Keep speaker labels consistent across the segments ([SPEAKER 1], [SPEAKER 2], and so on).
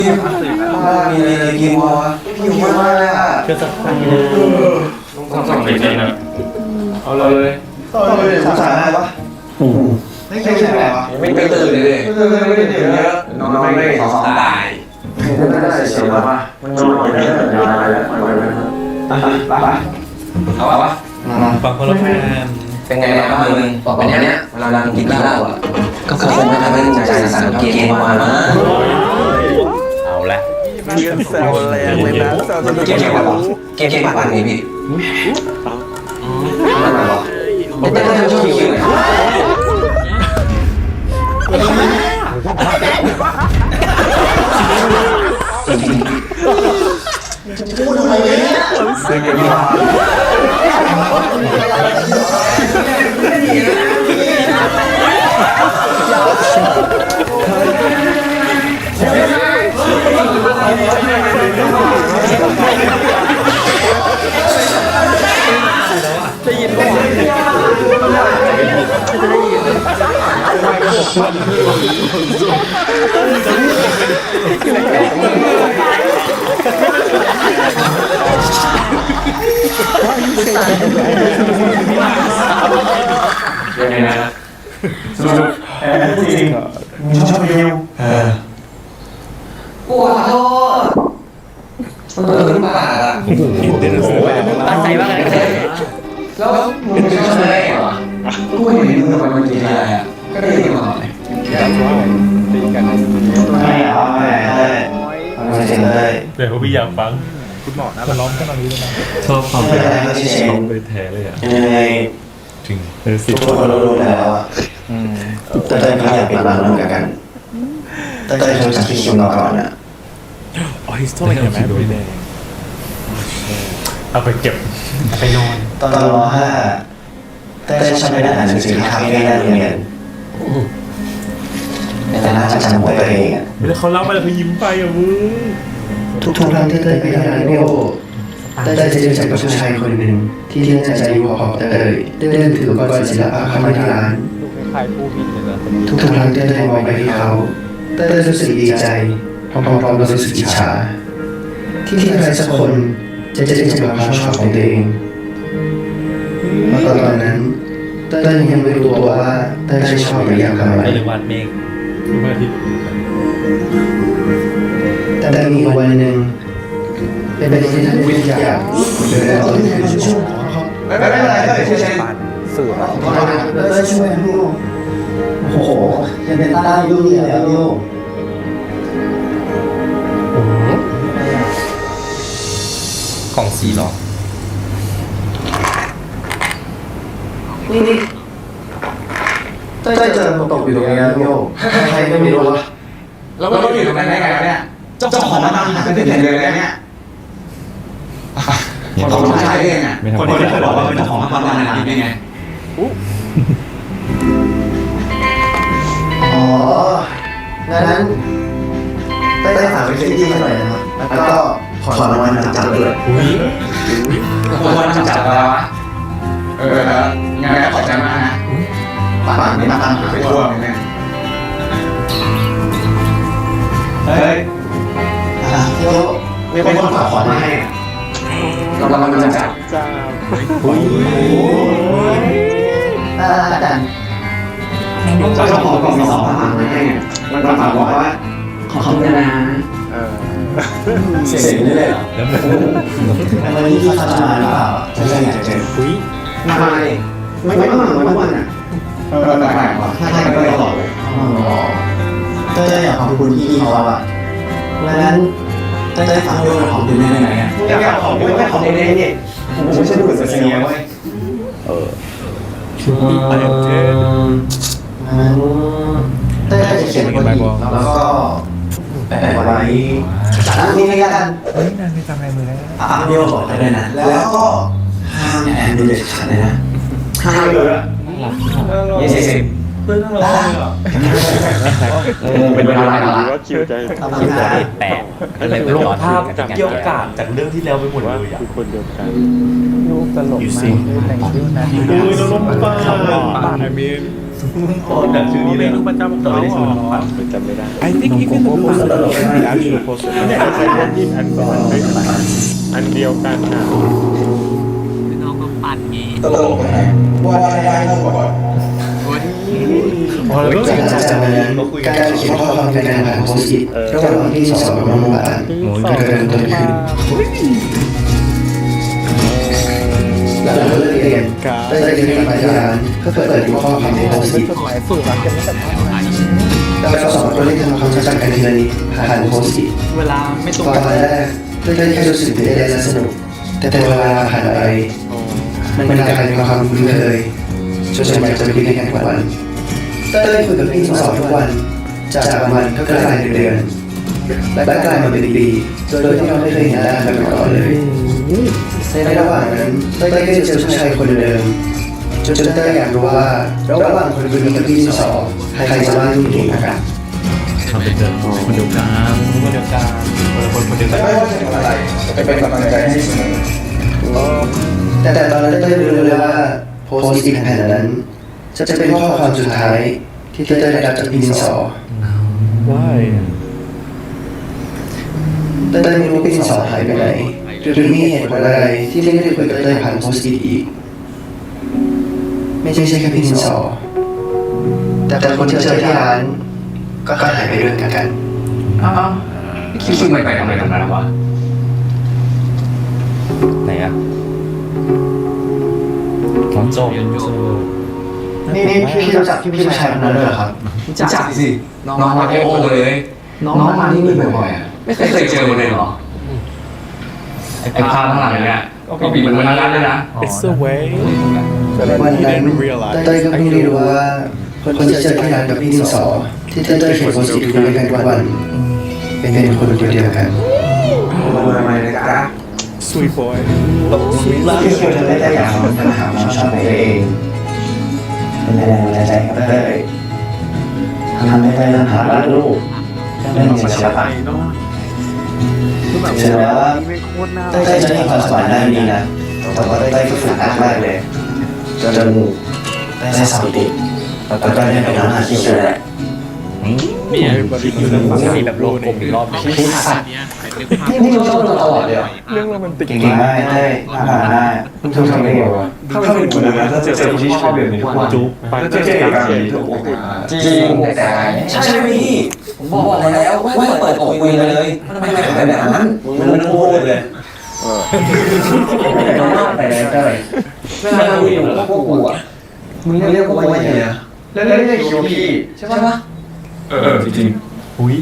[SPEAKER 1] มีอะไรกินวะหิวมากเลยอ่ะ
[SPEAKER 2] เชื่อสักครั้งนึงต้องสั่งไปเลยนะเอาเลย
[SPEAKER 1] สงสารอะไรวะไม่ใช่อะไรวะไม่ตื่นเลยไม่ได้ตื่นเยอะน้องไม่ได้สองตายไม่ได้เสียแล้ววะมันนอนไม่ได้ยาวแล้วไปเอาวะ
[SPEAKER 2] ฟังคนละแฟน
[SPEAKER 1] เป็นไงบ้างมึงบอกเป็นเนี้ยเวลาเรากินเหล้าอ่ะก็คงไม่ทำให้ใจสั่นเกมมา
[SPEAKER 2] เอาละ
[SPEAKER 3] แซวแรงเลยนะแซวจน
[SPEAKER 1] เกมปั่นนี่พี่อะไรวะไม่ได้ช่วยคิวพูดทำไมเนี่ยเสียงกันมา
[SPEAKER 3] ได้ยินว่า
[SPEAKER 2] ยังไงนะสรุปจริงมึงชอบมิว
[SPEAKER 1] ปวดท้องมันขึ้นมาอ่ะ
[SPEAKER 2] ตั้งใจมากเลย
[SPEAKER 1] แล้วมึงชอบอะไรอ่ะกูเห็นมึงมันกินอะไรอ่ะก็ได้ยินมาเลยไม่เอาไม่เฉยเลย
[SPEAKER 2] เดี๋ยวพี่อยากฟัง
[SPEAKER 3] คุณหมอนะร้องกันตอนนี้เลยนะ
[SPEAKER 2] ชอบความเป็นร้องไปแท้เลยอ่ะ
[SPEAKER 1] ยังไง
[SPEAKER 2] ถึง
[SPEAKER 1] ทุกคนรู้แล้วอ่ะเต้ยไม่อยากเป็นบ้านร่วมกันเต้ยรู้จักพี่คิวมาก่อนอ่ะ
[SPEAKER 3] อ๋อฮิสโตริกแมสด้วยเนี่ย
[SPEAKER 2] เอาไปเก็บไปนอน
[SPEAKER 1] ตอนร.5เต้ยชอบไปนั่งอ่านหนังสือที่คาเฟ่หน้าโรงเรียนแต่น่าจะจำหัวตัวเองอ่ะ
[SPEAKER 2] แล้วเขาเล่าไปแล้วเขายิ้มไปอ่ะมึง
[SPEAKER 1] ทุกครั้งที่เต้ยไปที่ร้านโยเต้ยจะเจอกับผู้ชายคนหนึ่งที่น่าจะอายุพอเต้ยเดินถืออุปกรณ์ศิลปะเข้ามาที่ร้านทุกครั้งที่เต้ยมองไปที่เขาเต้ยรู้สึกดีใจพร้อมๆกับรู้สึกอิจฉาที่ใครสักคนจะเจอความชอบของตัวเองเมื่อตอนนั้นเต้ยยังไม่รู้ตัวว่าเต้ยชอบหรืออยากทำอะไร
[SPEAKER 2] หรือวาดเมฆวาดที่
[SPEAKER 1] แต่มีวันหนึ่งเป็นที่ท่านวิทยาเดินต่อที่ช่วยไม่เป็นไรก็ช่วย
[SPEAKER 3] สื่อนะ
[SPEAKER 1] แล้วช่วยลูกโอ้โหยังเป็นต้าลูกนี่แล้วลูก
[SPEAKER 2] ของสีหรอ
[SPEAKER 1] นี่เต้ยเจอมันตกอยู่ตรงนี้แล้วโยใครไม่มีรู้วะแล้วก็อยู่ตรงนั้นได้ไงเนี่ยเจ้าของมันตั้งเป็นเดือนเลยเนี่ยคนผู้ชายเองอ่ะคนที่เคยบอกว่าเป็นเจ้าของมันตั้งนานนี่ไงอ๋องั้นเต้ยฝากไปที่หน่อยนะครับแล้วก็ขอรางวัลนำจับด้วยรางวัลนำจับอะไรวะงานขอบใจมากนะป่านนี้มาตั้งไปทั่วเลยเนี่ยเฮ้ยโยมีคนฝากขอมาให้รางวัลนำจับโอ้ยอาจารย์เจ้าของกล่องมี2ฝากมาให้มันฝากบอกว่าขอคำนะเสียงนี่เลยเหรอวันนี้ที่เขาจะมาหรือเปล่าจะอยากเจอไม่ต้องมาทุกวันอ่ะแปลกๆว่ะถ้าใช่ก็ตลอดเลยเต้ยอยากขอบคุณพี่เขาอ่ะงั้นเต้ยฝากด้วยขอบคุณได้ไหมอ่ะอยากขอบคุณไม่ขอบคุณได้นี่ผมไม่ใช่ผู้สื่อเสียงเว้ยงั้นเต้ยจะเขียนบทแล้วก็แปะไว้นี่ให้กัน
[SPEAKER 3] นั่นไม่ทำอะไรมือแล้ว
[SPEAKER 1] เดียวบอกได้เลยนะแล้วก็ห้ามแอนดูเด็ดขาดเลยนะห้ามเลยอ่ะ20เป็นเวลาหลายวัน
[SPEAKER 3] ว่าคิวใจ
[SPEAKER 2] แปะอะไรลงภาพเกี่ยวกับจากเรื่องที่แล้วไปหมดเลยอ่ะ
[SPEAKER 3] คือคนเดียวกันรูปตลกมากแต่งชื่อนะ
[SPEAKER 2] เราลงปาก
[SPEAKER 3] I mean
[SPEAKER 2] โอ้ดักชื่อนี้เลย
[SPEAKER 3] เมนูประจำของเขาจำไม่ได้ I think even the actual poster อันเดียวกันนะ
[SPEAKER 4] น้องก็ปั่นงี้
[SPEAKER 1] ตลกนะว่าได้เท่าก่อน จากนั้นการเขียนข้อความในการผ่านโพสต์อิทระหว่างที่สองกับน้องหวานก็เริ่มต้นขึ้นหลังเลิกเรียนได้เดินไปที่ร้านเพื่อเปิดดูข้อความในโพสต์อิทเราสองคนได้ทำความรู้จักกันทีละนิดผ่านโพสต์อิท
[SPEAKER 4] เวลาไม่ตรง
[SPEAKER 1] ตอนแรกได้แค่รู้สึกตื่นเต้นและสนุกแต่เวลาผ่านไปมันกลายเป็นความคุ้นเคยจนอยากจะไปด้วยกันทุกวันเต้ยคุยกับพี่สองทุกวันจากวันก็กลายเป็นเดือนและกลายมาเป็นปีโดยที่เราไม่เคยเห็นหน้ากันมาก่อนเลยในระหว่างนั้นเต้ยก็เจอผู้ชายคนเดิมจนเต้ยอยากรู้ว่าระหว่างคนนี้กับพี่สองใครจะว่ายุ่งเก่งกว่ากัน
[SPEAKER 2] ทำเป็นเดิมคนเดียวกันคนเดียวกันคนเดียวกัน
[SPEAKER 1] ไม่ว่าจะทำอะไรจะเป็นกำลังใจให้เสมอแต่ตอนนั้นเต้ยไม่รู้เลยว่าโพสต์อิทแผ่นนั้นจะเป็นข้อความสุดท้ายที่เต้ยได้รับจากพี่ดินสอ
[SPEAKER 3] Why
[SPEAKER 1] เต้ยไม่รู้พี่ดินสอหายไปไหนหรือมีเหตุผลอะไรที่ไม่ได้คุยกับเต้ยผ่านโพสต์อิทอีกไม่ใช่แค่พี่ดินสอแต่คนที่เจอที่ร้านก็หายไปด้วยกัน
[SPEAKER 2] อ้าวคิดไม่ไปทำอะไรตรงนั้นวะ
[SPEAKER 3] ไหนอะน้องโจ
[SPEAKER 1] นี่พี่รู้จักพี่ชายคนนั้นด้วยเหรอครับ
[SPEAKER 2] จักสิน้องมาโอ้เลย
[SPEAKER 1] น้องมาที่นี่บ่อยๆอ่ะ
[SPEAKER 2] ไม่เคยเจอเลยหรอไอ้ภาพข้างหลังเนี่ยก็บีบมันมาแล้วเลยนะ
[SPEAKER 3] It's the way
[SPEAKER 1] วันนั้นเต้ยก็เพิ่งได้รู้ว่าคนที่เจอที่ร้านกับพี่ดินสอที่เต้ยเขียนโพสต์อิทคุยกันทุกวันเป็นคนเดียวกัน
[SPEAKER 3] Sweet boy
[SPEAKER 1] ที่เคยทำได้อย่างของปัญหาความชอบในตัวเองเป็นแรงบันดาลใจให้เต้ยทำให้เต้ยเริ่มหารักลูกเรื่องศิลปะเชื่อว่าเต้ยจะมีความสามารถด้านนี้นะแต่ว่าเต้ยก็ฝึกหนักมากเลยจนได้สอบติดแล้วก็ได้ไปน้ำหาที่เจอแหละ
[SPEAKER 3] มีแบบโลกผมอีกรอบนึง
[SPEAKER 1] พี่สัตว์นี่รู้ชอบเราตลอดเลยอ่ะ
[SPEAKER 3] เรื่องโรแมนติก
[SPEAKER 1] เก่งมากเต้ยผ่านได้คุณทำได้ไงวะ
[SPEAKER 2] ถ้าเป็นคนนั้นถ้าเจอคนที่ชอบแบบนี้ทุกวันจุ๊บก็จะเจอกันทุกวัน
[SPEAKER 1] จริงแต่ใช่ไหมพี่ผมบอกแล้วว่าเปิดอกคุยเลยทำไมเป็นแบบนั้นมันพูดเลยน้องมากไปเลยเต้ยเวลาคุยกับพวกกูอ่ะมึงเรียกพวกกูว่าอย่างไรแล้วเรียกคิวพี่ใช่ปะ
[SPEAKER 2] จริงๆอุ้ย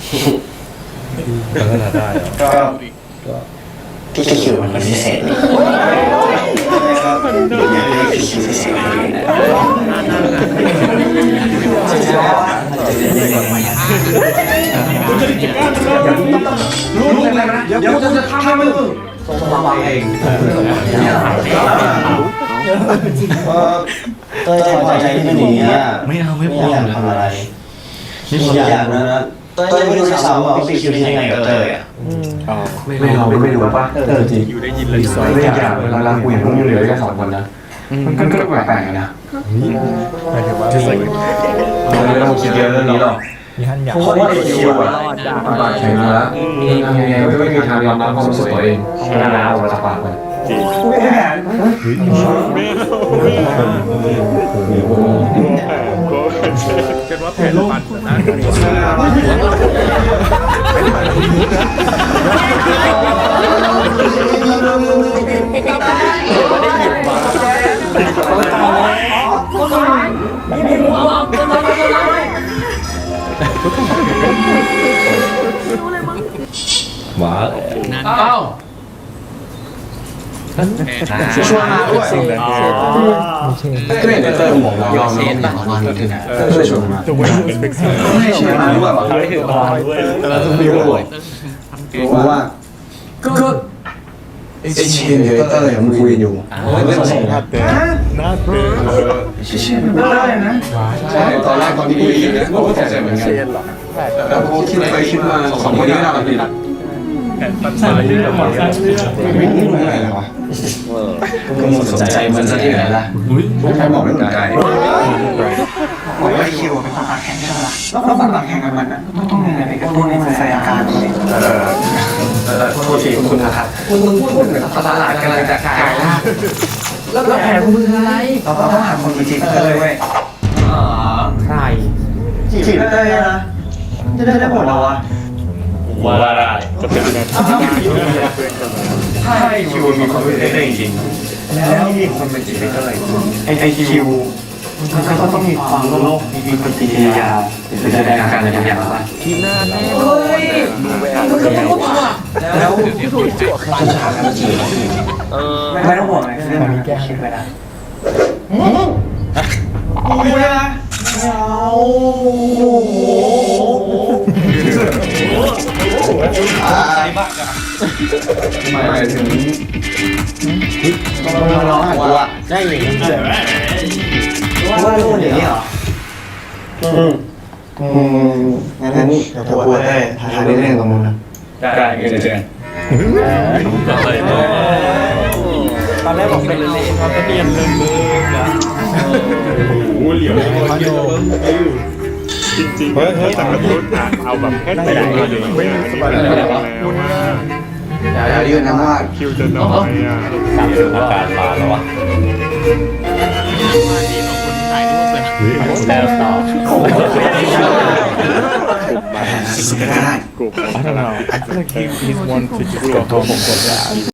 [SPEAKER 3] ก็ได้
[SPEAKER 1] ก็พี่คิวมันพิเศษเลยพี่คิวพิเศษรู้อะไรนะเดี๋ยวกูจะทำให้มึงส่งมาบอกเองเต้ยพอใจที่เป็นอย่างนี้ไม่อยากทำอะไรนี่ผมอยากนะเต้ยไม่รู้ซ้ำว่าพี่คิวที่ยังไงกับเต้ยอ่ะ
[SPEAKER 2] ไม่รู้ป่ะจริง
[SPEAKER 3] อยู่ได้ยินเลย
[SPEAKER 2] ไม่อยากเวลาคุยต้องอยู่เลยกันสองคนนะมันก็แปลกๆนะ
[SPEAKER 3] หมายถึงว่า
[SPEAKER 2] ไม่ต้องคิดเยอะเรื่องนี้หรอก
[SPEAKER 3] มีฮันอยาก
[SPEAKER 2] เพราะว่าไอ้คิวอ่ะปากแข็งแล้วยังไงก็ไม่มีทางยอมรับความรู้สึกตัวเองนานาออกมาจากปากมัน
[SPEAKER 3] คิดว่าแผ่นปันนะ
[SPEAKER 2] ว้า
[SPEAKER 4] อ้าว
[SPEAKER 2] ช่วยมาด้วยก็เห็นเตอร์ของเรายอมรับช่วยชวนมา
[SPEAKER 3] The way he was fixing
[SPEAKER 2] ไม่ใช่มาด้วย
[SPEAKER 3] เขาได้ถือมาด้วย
[SPEAKER 2] แล้วต้องมีรู้ว่าก็ไอ้เชนกับเตอร์ยังคุยอยู่ไม่สน
[SPEAKER 3] หน้าเต้นหน้าเต้น
[SPEAKER 2] เชนไม่ได้นะใช่ตอนแรกตอนที่คุยกันก็ตกใจเหมือนกัน
[SPEAKER 3] เชนเหรอ
[SPEAKER 2] แล้วพอคิดไปคิดมาสองคนนี้น่ารักดี
[SPEAKER 3] ปัญหาที่เราบอกกัน
[SPEAKER 2] ไม่รู้อะไรเลยวะก็มึงสนใจมันซะที่ไหนล่ะใครบอกไม่สนใจ
[SPEAKER 1] บอกว่าคิวเป็นคนปากแข็งใช่ไหมล่ะแล้วคนปากแข็งกับมันอ่ะไม่ต้องยังไงไปกระตุ้นให้มันแสดงอาการเลยโทษทีคุณนะครับมึงพูดเหมือนตลาดกำลังจะกลายร่างแล้วแผนมึงอะไรเราต้องหาคนจีบเลยเว้ยใครจีบได้นะจะได้หมดแล้ววะ
[SPEAKER 3] ว่าได้จะเป็นแบบ
[SPEAKER 1] ถ้าไอคิวมีคนเป็นได้จริงแล้วมีคนเป็นจีบเท่าไหร่ไอคิวมันก็ต้องมีความโลภมีปฏิกิริยาหรือแสดงอาการอะไรบางอย่างบ้าง
[SPEAKER 3] ทีหน้าแน่
[SPEAKER 1] เฮ้ยมันก็ต้องพูดว่ะแล้วจะถามกันจีบไม่ต้องห่วงนะเรื่องนี้แก้คิดไว้นะกูนะ
[SPEAKER 2] หมายถึงต้องร้องหัวได้หรือ
[SPEAKER 1] ว่าลูกอย่างนี้เหรอ
[SPEAKER 2] งั้นเดี๋ยวพูดได้ทายได้เรื่องตรงนู้นนะ
[SPEAKER 3] ได้เจอ
[SPEAKER 1] ตอนแรกบอกเป็นเลนเขาก็เรียนเริ่มนะ
[SPEAKER 3] โอ้เหลียวจริงๆเฮ้ยแต่กระตุ้นเอาแบบแค่ไหนเลยไม่สบายแล้ว
[SPEAKER 2] อย่ายืนนะว่า
[SPEAKER 3] คิวจะน้อยอ่ะ
[SPEAKER 5] อาการมาแล้ววะ
[SPEAKER 4] มาดีของคนถ่ายรูปเลย
[SPEAKER 5] แล้วต่อ
[SPEAKER 2] ได้
[SPEAKER 3] กูI don't know I feel like he's one to just go home and go